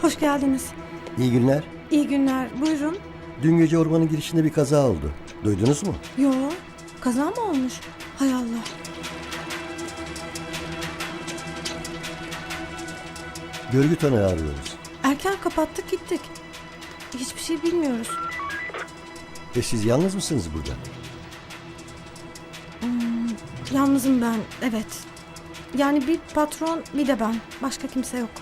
Hoş geldiniz. İyi günler. İyi günler. Buyurun. Dün gece ormanın girişinde bir kaza oldu. Duydunuz mu? Yo, kaza mı olmuş? Hay Allah. Görgü tanığı arıyoruz. Erken kapattık gittik. Hiçbir şey bilmiyoruz. Ve siz yalnız mısınız burada? Yalnızım ben, evet. Yani bir patron bir de ben. Başka kimse yok.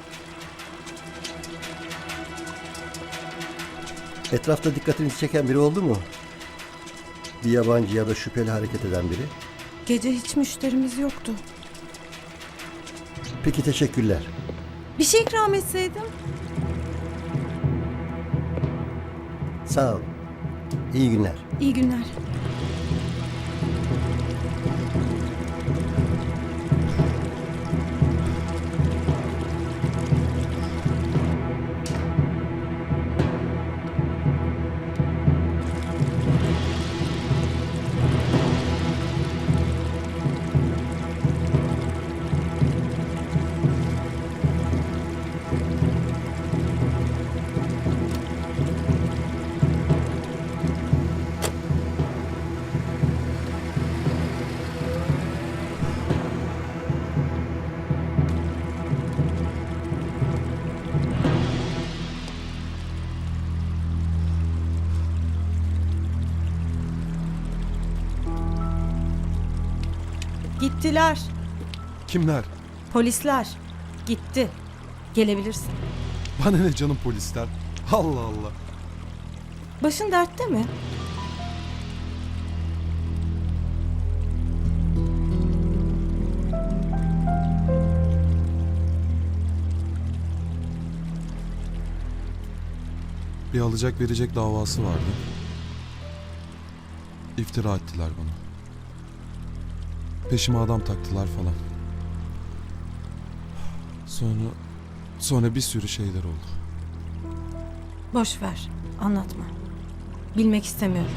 Etrafta dikkatinizi çeken biri oldu mu? Bir yabancı ya da şüpheli hareket eden biri. Gece hiç müşterimiz yoktu. Peki, teşekkürler. Bir şey ikram etseydim. Sağ ol. İyi günler. İyi günler. Gittiler. Kimler? Polisler. Gitti. Gelebilirsin. Bana ne canım polisler? Allah Allah. Başın dertte mi? Bir alacak verecek davası vardı. İftira ettiler bana. Peşime adam taktılar falan. Sonra bir sürü şeyler oldu. Boş ver. Anlatma. Bilmek istemiyorum.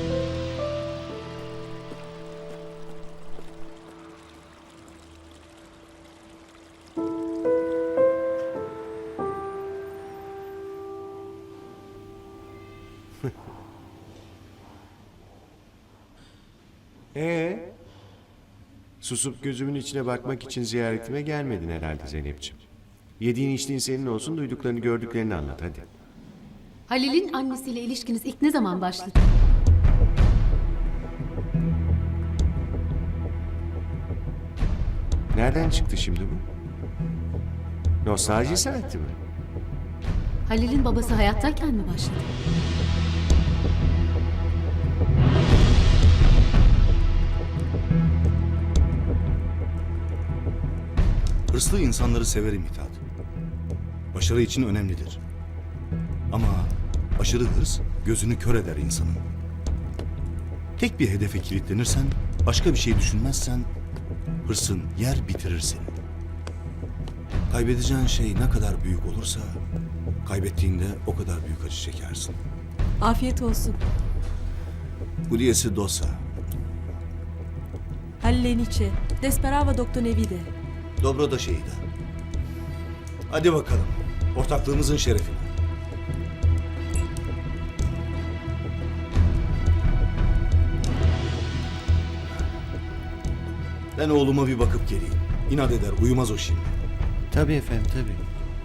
Susup gözümün içine bakmak için ziyaretime gelmedin herhalde Zeynep'ciğim. Yediğin içtiğin senin olsun, duyduklarını gördüklerini anlat hadi. Halil'in annesiyle ilişkiniz ilk ne zaman başladı? Nereden çıktı şimdi bu? Nostalji saati mi? Halil'in babası hayattayken mi başladı? Hırslı insanları severim Mithat. Başarı için önemlidir. Ama aşırı hırs gözünü kör eder insanın. Tek bir hedefe kilitlenirsen, başka bir şey düşünmezsen hırsın yer bitirir seni. Kaybedeceğin şey ne kadar büyük olursa kaybettiğinde o kadar büyük acı çekersin. Afiyet olsun. Pugliese dosa. Hallenice. Desperava doktor nevide. Dobro da şeyda. Hadi bakalım. Ortaklığımızın şerefine. Ben oğluma bir bakıp geleyim. İnat eder, uyumaz o şimdi. Tabii efendim, tabii.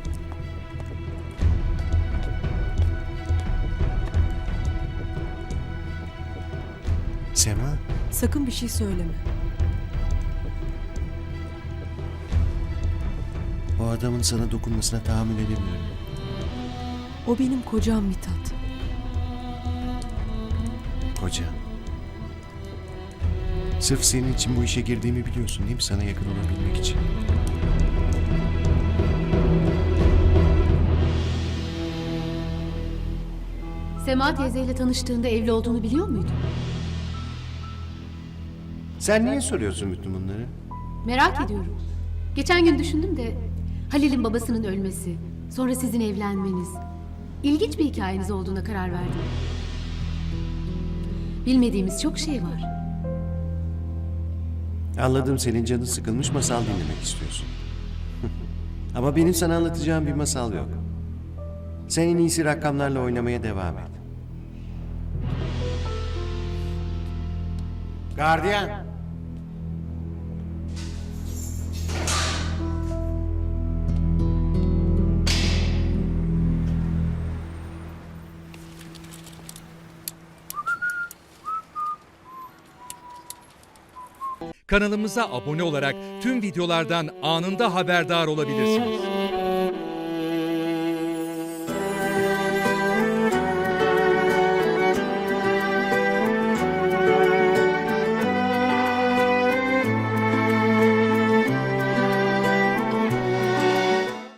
Sema, Sakın bir şey söyleme. o adamın sana dokunmasına tahammül edemiyorum. O benim kocam Mithat. Koca. Sırf senin için bu işe girdiğimi biliyorsun değil mi? Sana yakın olabilmek için. Sema teyzeyle tanıştığında evli olduğunu biliyor muydun? Sen niye soruyorsun bütün bunları? Merak ediyorum. Geçen gün düşündüm de Halil'in babasının ölmesi, sonra sizin evlenmeniz. İlginç bir hikayeniz olduğuna karar verdim. Bilmediğimiz çok şey var. Anladım, senin canın sıkılmış, masal dinlemek istiyorsun. Ama benim sana anlatacağım bir masal yok. Sen en iyisi rakamlarla oynamaya devam et. Gardiyan! Kanalımıza abone olarak tüm videolardan anında haberdar olabilirsiniz.